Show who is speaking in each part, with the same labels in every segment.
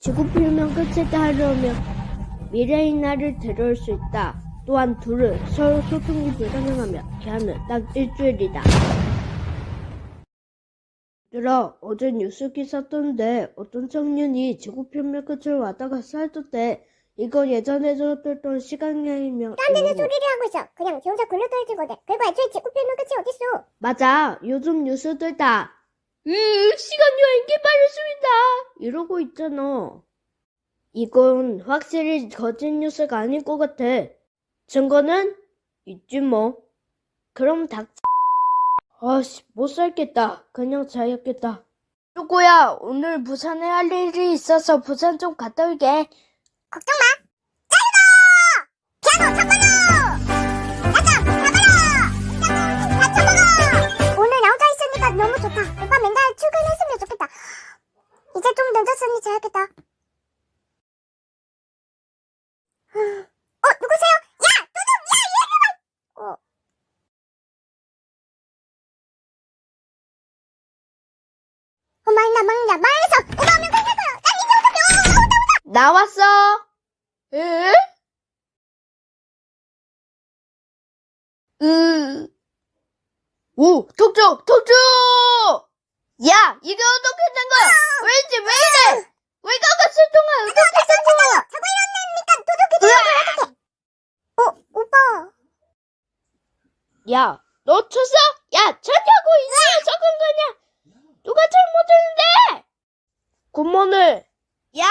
Speaker 1: 지구 필명 끝을 따르면 미래의 날을 데려올 수 있다. 또한 둘은 서로 소통이 불가능하며 기한은 딱 일주일이다. 얘들아, 어제 뉴스 기사 떴는데 어떤 청년이 지구 필명 끝을 왔다가 살던데 이거 예전에 들었던 시간여행이면
Speaker 2: 딴 데는 소리를 하고 있어. 그냥 지 혼자 굴러떨지거든. 그리고 애초에 지구 필명 끝이 어딨어.
Speaker 1: 맞아. 요즘 뉴스들 다 시간여행 개발했습니다 이러고 있잖아. 이건 확실히 거짓 뉴스가 아닐 것 같아. 증거는 있지 뭐. 그럼 아씨, 못 살겠다. 그냥 자야겠다. 누구야, 오늘 부산에 할 일이 있어서 부산 좀 갔다 올게.
Speaker 2: 걱정 마. 자유도! 피아노 쳐버려! 나좀 가버려! 다 쳐버려! 오늘 나 혼자 있으니까 너무 좋다. 오빠 맨날 출근했으면 좋겠다. 이제 좀 늦었으니 자야겠다. 누구세요? 야! 도둑! 야! 얘들아! 망나 말해서 오빠 오면 끝내고요. 난 이제 어떡해.
Speaker 1: 나왔어. 에? 오, 독주! 야, 이게 어떻게 된 거야? 왜지, 왜 이래? 외곽가 출동한 어떻게 된 거야?
Speaker 2: 저거 이런 애니까 도둑이 되면 어떡해. 오빠.
Speaker 1: 야, 너 쳤어? 야, 쳤냐고, 이 녀석은 그냥. 누가 잘못했는데? 굿모네. 야,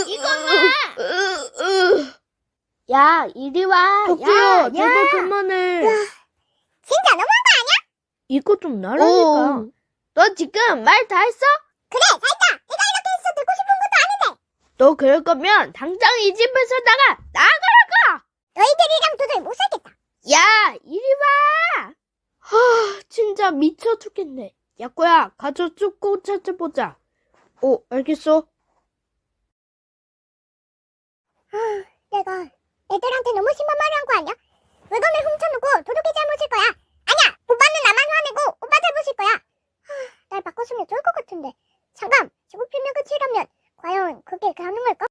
Speaker 1: 이거나. 야, 이리 와. 야, 제발 그만해.
Speaker 2: 진짜 너무한 거 아니야?
Speaker 1: 이거 좀 나라니까. 너 지금 말 다 했어?
Speaker 2: 그래, 다 했다. 내가 이렇게 해서 듣고 싶은 것도 아닌데.
Speaker 1: 너 그럴 거면 당장 이 집에서 나가라고!
Speaker 2: 너희들이랑 도저히 못 살겠다.
Speaker 1: 야, 이리 와! 진짜 미쳐 죽겠네. 야꼬야, 가서 쭉 찾아보자. 알겠어.
Speaker 2: 내가 애들한테 너무 심한 말을 한 거 아니야? 물건을 훔쳐놓고 도둑이 잘못일 거야. 아니야, 오빠는 나만 화내고 오빠 잘못일 거야. 날 바꿨으면 좋을 것 같은데. 잠깐, 지구 필명 끝이라면 과연 그게 가능할까?